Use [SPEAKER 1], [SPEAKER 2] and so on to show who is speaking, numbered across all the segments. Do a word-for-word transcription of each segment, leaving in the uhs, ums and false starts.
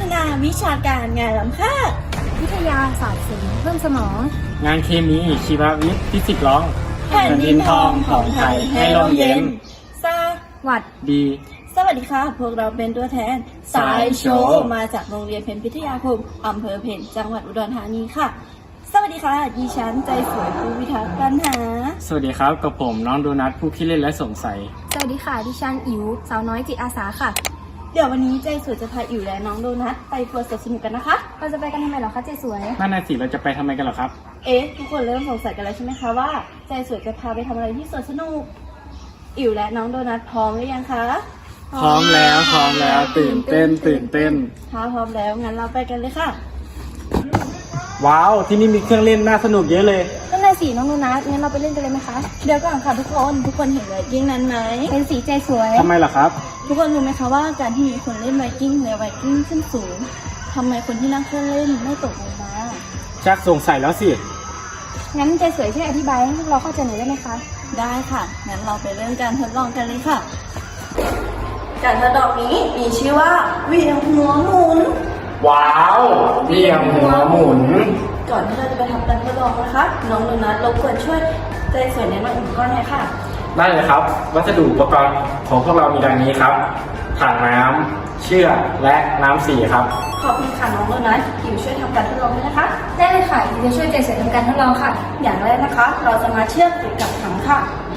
[SPEAKER 1] ฒนาวิชาการงานล้ำค่า
[SPEAKER 2] วิทยาศาสตร์ศิลป์เพิ่มสมอง
[SPEAKER 3] งานเคมีชีววิทย์ฟิสิกส์ร้อง
[SPEAKER 1] แผ่นดินทองของไทยให้ร่มเย็นสวัส
[SPEAKER 3] ดี
[SPEAKER 1] สวัสดีค่ะพวกเราเป็นตัวแทนสายโชว์มาจากโรงเรียนเพ็ญพิทยาคมอำเภอเพ็ญจังหวัดอุดรธานีค่ะสวัสดีค่ะดิฉันใจสวยผู้พิทักษ์ปัญหา
[SPEAKER 3] สวัสดีครับกับผมน้องโดนัทผู้ขี้เล่นและสงสัย
[SPEAKER 2] สวัสดีค่ะดิฉันอิ๋วสาวน้อยจิตอาสาค่ะ
[SPEAKER 1] เดี๋ยววันนี้ใจสวยจะพาอิ๋วและน้องโดนัทไปทัวร์สวนสนุกกันนะคะ
[SPEAKER 2] เราจะไปกันทำไมเหรอคะใจสวย
[SPEAKER 3] นั่นน่ะสิเราจะไปทำไมกันเหรอครับ
[SPEAKER 1] เอ๊ะทุกคนเริ่มสงสัยกันแล้วใช่ไหมคะว่าใจสวยจะพาไปทำอะไรที่สวนสนุกอิ๋วและน้องโดนัทพร้อมหรือยังคะ
[SPEAKER 3] พร้อมแล้วพร้อมแล้วตื่นเต้นตื่นเต้น
[SPEAKER 1] ถ้าพร้อมแล้วงั้นเราไปกันเลยค่ะ
[SPEAKER 3] ว้าวที่นี่มีเครื่องเล่นน่าสนุกเยอะเลย
[SPEAKER 2] นั่นน่ะสิน้องโดนัทงั้นเราไปเล่นกันเลยไหมคะ
[SPEAKER 1] เดี๋ยวก่อนค่ะทุกคนทุกคนเห็นไวกิ้งนั้นไหม
[SPEAKER 2] เป็นสีใจสวย
[SPEAKER 3] ทำไมล่ะครับ
[SPEAKER 1] ทุกคนรู้ไหมคะว่าการที่มีคนเล่นไวกิ้งในไวกิ้งขึ้นสูงทำไมคนที่นั่งเครื่องเล่นไม่ตกลงมา
[SPEAKER 3] ชักสงสัยแล้วสิ
[SPEAKER 2] งั้นใจสวยช่วยอธิบายให้พวกเราเข้าใจหน่อยได้ไหมคะ
[SPEAKER 1] ได้ค่ะงั้นเราไปเริ่มการทดลองกันเลยค่ะการทดลองนี้มีชื่อว่าเหวี่ยงหัวหมุน
[SPEAKER 3] ว้าวเหวี่ยงหัวหมุน
[SPEAKER 1] ก่อนที่เราจะไปทำการทดลองนะคะน้องโดนัทรบกวนช่วยใจสวยแนะนำอุปกรณ์หน่อยค่ะ
[SPEAKER 3] ได้เลยครับวัสดุอุปกรณ์ของพวกเรามีดังนี้ครับถังน้ำเชือกและน้ำสีครับ
[SPEAKER 1] ขอบคุณค่ะน้องโดนัทอิ๋วช่วยทำการทดลองด้วยนะคะ
[SPEAKER 2] ได้เลยค่ะอิ๋วจะช่วยใจสวยทำการทดลองค่ะ
[SPEAKER 1] อย่างแรกนะคะเราจะมาเชือกติดกับถังค่ะ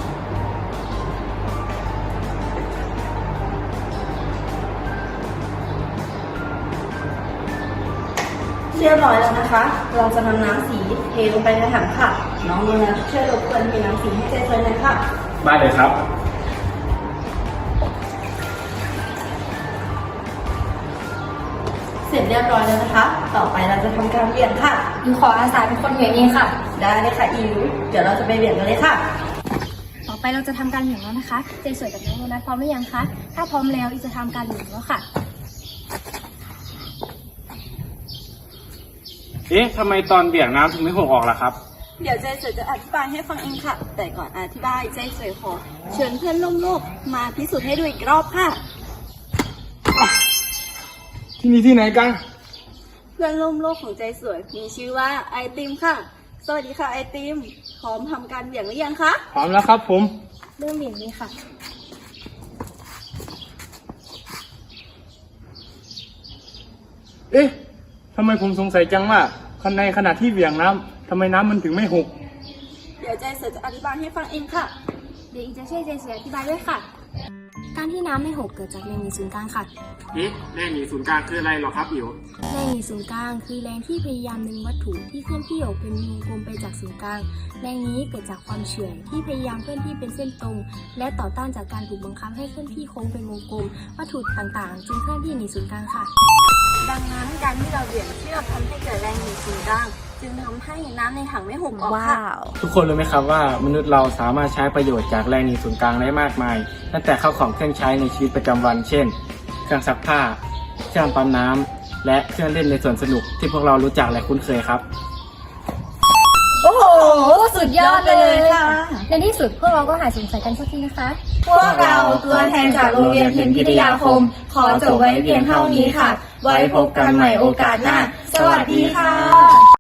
[SPEAKER 1] เรียบร้อยแล้วนะคะเราจะนำน้ำสีเทลงไปในถังค่ะน้องโดนัทช่วยรบกวนเทน้ำสีให้ใจสวยหน่อยค่ะ
[SPEAKER 3] ได้เลยครับ
[SPEAKER 1] เสร็จเรียบร้อยแล้วนะคะต่อไปเราจะทำการเหวี่ยงค่ะ
[SPEAKER 2] อิ๋วขออาสาเป็นคนเหวี่ยงเองค่ะ
[SPEAKER 1] ได้เลยค่ะอิ๋วเดี๋ยวเราจะไปเหวี่ยงกันเลยค่ะ
[SPEAKER 2] ต่อไปเราจะทำการเหวี่ยงแล้วนะคะใจสวยกับน้องโดนัทพร้อมหรือยังคะถ้าพร้อมแล้วอิ๋วจะทำการเหวี่ยงแล้วค่ะ
[SPEAKER 3] เอ๊ะทำไมตอนเบี่ยงน้ำถึงไม่หกออกล่ะครับ
[SPEAKER 1] เดี๋ยวใจสวยจะอธิบายให้ฟังเองค่ะแต่ก่อนอธิบายใจสวยขอเชิญเพื่อนร่วมโลกมาพิสูจน์ให้ดูอีกรอบค่ะ
[SPEAKER 3] ที่นี่ที่ไหนกัน
[SPEAKER 1] เพื่อนร่วมโลกของใจสวยมีชื่อว่าไอติมค่ะสวัสดีค่ะไอติมพร้อมทำการเบี่ยงหรือยังคะ
[SPEAKER 3] พร้อมแล้วครับผม
[SPEAKER 2] เริ่มเบี่ยงเลยค่ะ
[SPEAKER 3] เอ๊ะทำไมผมสงสัยจังว่าในขณะที่เบี่ยงน้ำทำไมน้ำมันถึงไม่หก
[SPEAKER 1] เดี๋ยวใจสวยจะอธิบายให้ฟังเองค่ะ
[SPEAKER 2] เดี๋ยวอีจะช่วยใจสวยอธิบายด้วยค่ะการที่น้ำไม่หกเกิดจากแรงหนีศูนย์กลางค่ะ
[SPEAKER 3] เอ๊ะแรงหนีศูนย์กลางคืออะไรหรอครับอิ๋ว
[SPEAKER 2] แรงหนีศูนย์กลางคือแรงที่พยายามดึงวัตถุที่เคลื่อนที่ออกเป็นวงกลมไปจากศูนย์กลางแรงนี้เกิดจากความเฉื่อยที่พยายามเคลื่อนที่เป็นเส้นตรงและต่อต้านจากการถูกบังคับให้เคลื่อนที่โค้งเป็นวงกลมวัตถุต่างๆจึงเคลื่อนที่หนีศูนย์กลางค่ะ
[SPEAKER 1] ดังนั้นการที่เราเหวี่ยงเชือกทำให้เกิดแรงหนีศูนย์กลางจึงทำให้น้ำในถังไม่หกออกค่ะ
[SPEAKER 3] ทุกคนรู้ไหมครับว่ามนุษย์เราสามารถใช้ประโยชน์จากแรงหนีศูนย์กลางได้มากมายตั้งแต่เข้าของเครื่องใช้ในชีวิตประจำวันเช่นเครื่องซักผ้าเครื่องปั๊มน้ำและเครื่องเล่นในสวนสนุกที่พวกเรารู้จักและคุ้นเคยครับ
[SPEAKER 1] โอ้โหสุดยอดเลยค่ะ
[SPEAKER 2] ในที่สุดพวกเราก็หายสงสัยกันสักทีนะคะ
[SPEAKER 1] พวกเราตัวแทนจากโรงเรียนเพ็ญพิทยาคมขอจบไว้เพียงเท่านี้ค่ะไว้พบกันใหม่โอกาสหน้าสวัสดีค่ะ